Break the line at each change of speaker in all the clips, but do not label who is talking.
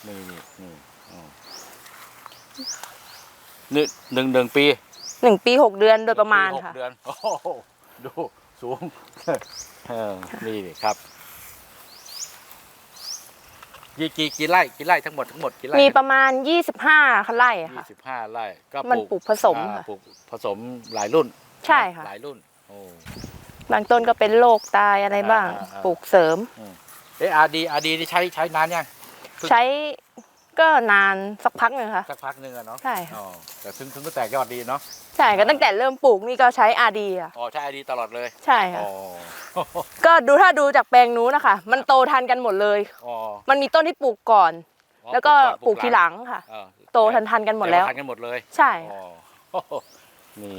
นี่นี่หนึ่งปี
1 ปี 6 เดือนโดยประมาณค่ะ
6 เดือนโอ้โหดูสูงนี่ครับกี่ไร่ทั้งหมดกี่ไร่
มีประมาณ25 ไร่ค่ะ
25 ไร่ก็
มันปลูกผสมค่ะ
ปลูกผสมหลายรุ่น
ใช่ค่ะ
หลายรุ่นโอ้
บางต้นก็เป็นโรคตายอะไรบ้าง ปลูกเสริม
อาร์ดีนี่ใช้นานยัง
ใช้ก็นานสักพักหนึ่งค่ะ
สักพักหนึ่งอะเนาะ
ใช่ค่ะ
แต่ถึงก็แตกยอดดีเนาะ
ใช่ก็ตั้งแต่เริ่มปลูกนี่ก็ใช้อาดีอ่ะ
อ๋อใช้อาร์ดีตลอดเลย
ใช่ค่ะ
อ๋อ
ก็ถ้าดูจากแปลงนู้นนะคะมันโตทันกันหมดเลย
อ๋อ
มันมีต้นที่ปลูกก่อน แล้วก็ปลูกทีหลังค่ะ
เออ
โตทันกันหมดแล้ว
ทันกันหมดเลย
ใช่
อ๋อนี่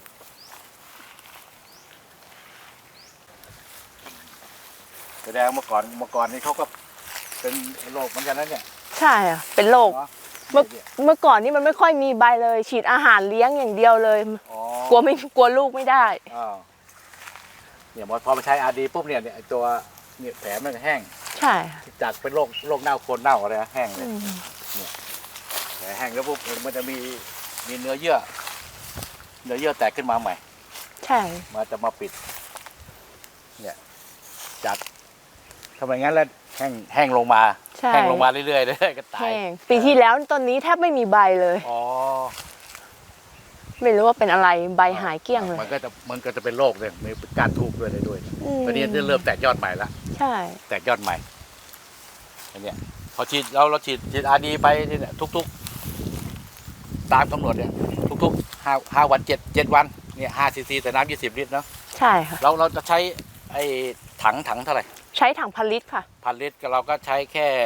แสดงเมื่อก่อนนี่เขาก็เป็นโรคเหมือนกันนะเนี่ย
ใช่ค่ะเป็นโรค
เนาะ
เมื่อก่อนนี่มันไม่ค่อยมีใบเลย ฉีดอาหารเลี้ยงอย่างเดียวเลย
อ๋อก
ลัวลูกไม่ได้
อ้าวเนี่ยพอมาใช้อาร์ดีปุ๊บเนี่ยไอ้ตัวเนี่ยแผลมันจะแห้ง
ใช่ค่ะ
จากเป็นโรคเน่าโคนเน่าอะไรนะแห้งเลย
อืม
แผลแห้งแล้วปุ๊บมันจะมีเนื้อเยื่อแตกขึ้นมาใหม่
ใช่
จะมาปิด เนี่ยจัดทำไมงั้นแล้วแห้งลงมา
ใช่
แห้งลงมาเรื่อยๆก็ตาย
แห้งปีที่แล้วต้นนี้แทบไม่มีใบเลย
อ๋อ
ไม่รู้ว่าเป็นอะไรใบหายเกลี้ยงเลย
มันก็จะเป็นโรคเลยมีการทูบด้วยอะไรด้วย
อืม
ตอนนี้เริ่มแตกยอดใหม่ละ
ใช่
แตกยอดใหม่อันเนี้ยพอฉีดเราฉีดอาร์ดีไปเนี่ยทุกตามกำหนดเนี่ยทุก5 วัน7 วันเนี่ย5 ซีซีแต่น้ำ20 ลิตรเนาะ
ใช่ค่ะ
เราจะใช้ไอ้ถังเท่าไหร่
ใช้ถัง1,000 ลิตรค่ะ
1,000 ลิตรเราก็ใช้แค่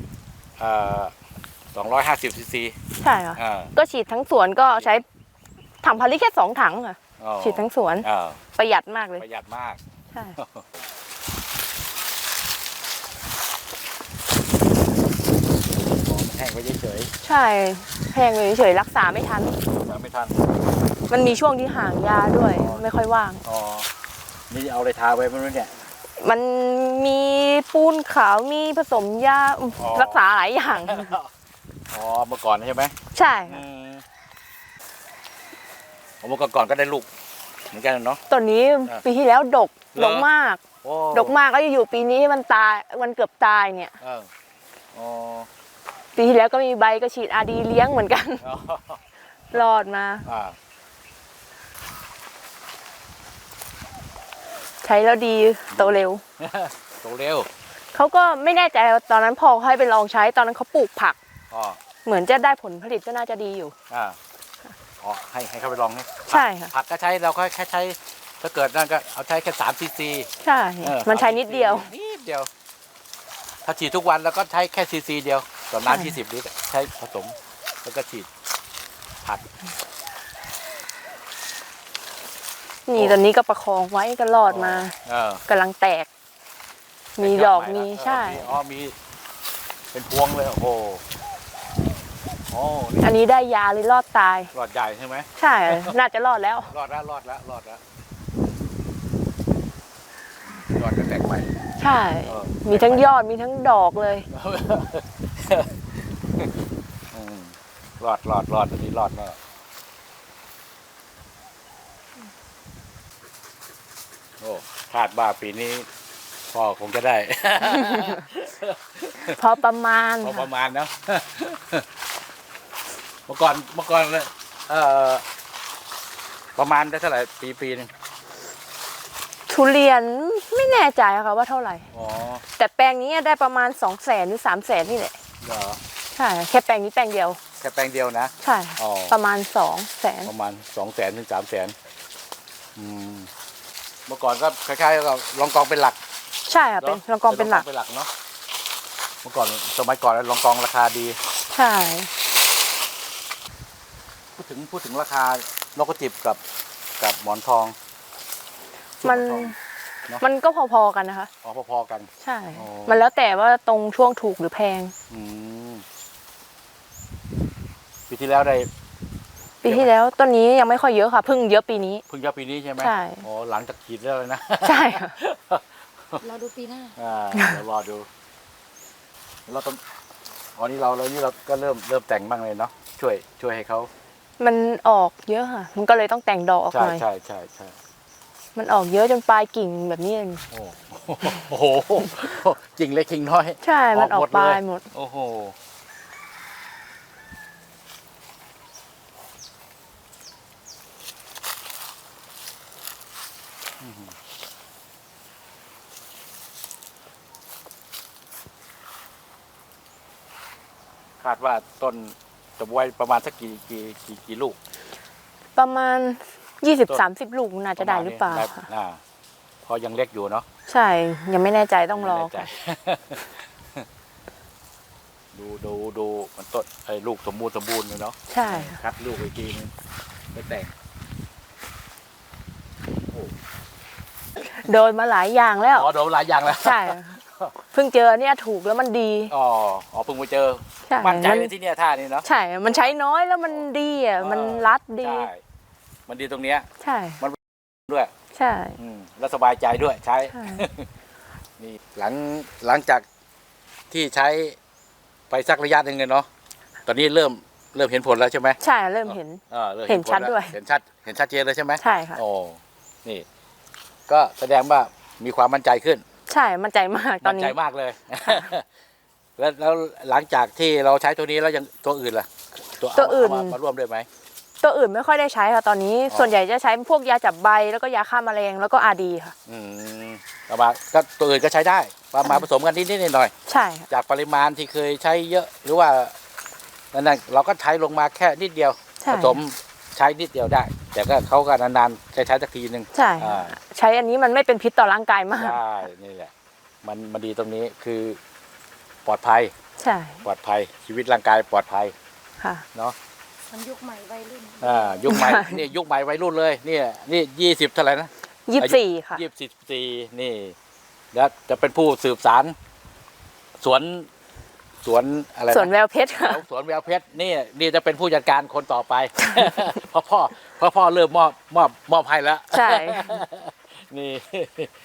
250 ซีซี
ใช่ค่ะ ก็ฉีดทั้งสวนก็ใช้ถัง1,000 ลิตรแค่2 ถังค่ะ ฉีดทั้งสวน ประหยัดมากเลย
ประหยัดมาก
ใช่
แห้งไปเฉย
ใช่แพงเลยเฉยๆรักษาไม่ทัน
ๆไม่ทัน
มันมีช่วงที่ห่างยาด้วย ไม่ค่อยว่าง
อ๋อนี่เอาอะไรทาไว้ไม่รู้เนี่ย
มันมีปูนขาวมีผสมยา
อ๋อ
รักษาหลายอย่าง
อ๋อเมื่อก่อนใช่ไหม
ใช่
เมื่อก่อนก็ได้ลูกเหมือนกันเนาะ
ต้นนี้ปีที่แล้วดก
เหรอ
ดกมาก
โอ้
ดกมากก็อยู่ปีนี้มันตายมันเกือบตายเนี่ย
อ๋อ
ปีที่แล้วก็มีใบก็ฉีดอาดีเลี้ยงเหมือนกัน รอดมา ใช้แล้วดีโตเร็ว
โตเร็ว
เขาก็ไม่แน่ใจตอนนั้นพอเขาให้ไปลองใช้ตอนนั้นเขาปลูกผัก
อ๋อ
เหมือนจะได้ผลผลิตก็น่าจะดีอยู่
อ๋อให้เขาไปลองนี่
ใช่ค่ะ
ผักก็ใช้เราก็แค่ใช้ถ้าเกิดนั่นก็เอาใช้แค่3 ซีซี
ใช่ มันใช้นิดเดียว
นิดเดียว ถ้าฉีดทุกวันแล้วก็ใช้แค่ซีซีเดียวต่อน้ำ20 ลิตรใช้ผสมแล้วก็ฉีดผัก
นี่ตอนนี้ก็ประคองไว้ก็รอดมา กำลังแตก มีดอกมีใช่
มีเป็นพวงเลยโอ้โหนี่
อันนี้ได้ยาเลยรอดตาย
หลอดใหญ่ใช่ไหม
ใช่ น่าจะรอดแล้ว
รอดแล้วหลอดจะแตกใหม่
ใช่ มีทั้งยอดมีทั้งดอกเลย
รอดอันนี้รอดแน่โอ้คาดว่าปีนี้พ่อคงจะได้
พอประมาณ
พอประมาณเนาะ เมื่อก่อนเลยประมาณได้เท่าไหร่ปีนึง
ทุเรียนไม่แน่ใจค่ะว่าเท่าไหร่
อ๋อ
แต่แปลงนี้ได้ประมาณ200,000 หรือ 300,000นี่แหละ
เหรอ
ใช่แค่แปลงนี้แปลงเดียว
แค่แปลงเดียวนะ
ใช่
อ๋อ
ประมาณ200,000
ประมาณ200,000 ถึง 300,000เมื่อก่อนก็คล้ายๆกับรองกองเป็นหลัก
ใช่ค่ะเป็นรองกองเป็นหลัก
เนาะเมื่อก่อนสมัยก่อนรองกองราคาดี
ใช่
พูดถึงราคานกกระจิบกับหมอนทอง
มันก็พอๆกันนะคะ
พอๆกัน
ใช่
อ๋อ
มันแล้วแต่ว่าตรงช่วงถูกหรือแพง
ปีที่แล้วได้
ปีที่แล้วต้นนี้ยังไม่ค่อยเยอะค่ะเพิ่งเยอะปีนี้
เพิ่งยอดปีนี้ใช่ไหม
ใช่
อ๋อหลังจากฉีดแล้วเลยนะ
ใช่ค่ะ
เราดูปีหน้า
เดี๋ยวรอดูเราต้องอ๋อนี่เราก็เริ่มแต่งบ้างเลยเนาะช่วยให้เขา
มันออกเยอะค่ะ มันก็เลยต้องแต่งดอกออก
ใช่
หน่อย
ใช่
มันออกเยอะจนปลายกิ่งแบบนี้เอง
โอ้โหจริงเล็กจริงน้อย
ใช่ มันออกปลายหมด
โอ้โหคาดว่าต้นจะไว้ประมาณสักกี่ลูก
ประมาณ 20-30 ลูกน่าจะได้หรือเปล่า
ได้
ค่ะ
เพราะยังเล็กอยู่เนาะ
ใช่ ยังไม่แน่ใจต้องรอ
ไม่แน่ใจ ดูมันต้นไอ้ลูกสมบูรณ์เลยเนาะ
ใช่ค่ะ
คัดลูกอีกทีนึงไปแต่ง
โดนมาหลายอย่างแล้ว
อ๋อโดนหลายอย่างแล้ว
ใช่ เพิ่งเจอเนี่ยถูกแล้วมันดี
อ๋อเพิ่งไปเจอ
ใช่
มั่นใจเลยที่เนี่ยท่านี้เนาะ
ใช่ มันใช้น้อยแล้วมันดีอ่ะ มันรัดดี
ใช่มันดีตรงเนี้ย
ใช่
ด้วย
ใช่
แล้วสบายใจด้วยใช้
ใช่
นี่หลังจากที่ใช้ไปสักระยะหนึ่งเลยเนาะตอนนี้เริ่มเห็นผลแล้วใช่ไหม
ใช่เริ่มเห็น
ริ่ม
เห็นชัด
ผลแล้
ด้วย
เห็นชัดเจนเลยใช่ไหม
ใช่ค่ะ
โอ้นี่ ก็แสดงว่ามีความมั่นใจขึ้น
ใช่ มั่นใจมากตอน
มั่น
นี้
ใจมากเลย แล้วหลังจากที่เราใช้ตัวนี้แล้วยังตัวอื่นล่ะ
ตัวอื่น
เอามาร่วมด้วยไหม
ตัวอื่นไม่ค่อยได้ใช้ค่ะตอนนี้
อ๋อ
ส่วนใหญ่จะใช้พวกยาจับใบแล้วก็ยาฆ่าแมลงแล้วก็อาดีค่ะ
เอามาก็ตัวอื่นก็ใช้ได้มาผสมกันนิดหน่อย
ใช่ค่ะ
จากปริมาณที่เคยใช้เยอะหรือว่านั่นเราก็ใช้ลงมาแค่นิดเดียว
ใช่
ผสมใช้นิดเดียวได้ แต่ก็เขาก็นานๆจะใช้สักทีหนึ่ง
ใช่
อ่า
ใช้อันนี้มันไม่เป็นพิษต่อร่างกายมาก
ใช่นี่แหละมันดีตรงนี้คือปลอดภัย
ใช่
ปลอดภัยชีวิตร่างกายปลอดภัย
ค่ะ
เนาะ
มันยุคใหม่วัยรุ่น
ยุคใหม่ นี่ยุคใหม่วัยรุ่นเลยนี่20เท่าไหร่นะ
24 ค่ะ
24นี่แล้วจะเป็นผู้สืบสารสวนอะไรนะ
ส่วนแววเพชรค่ะ
สวนแววเพชรนี่จะเป็นผู้จัดการคนต่อไป เพราะพ่อเริ่มมอบให้แล้ว
ใช่
นี่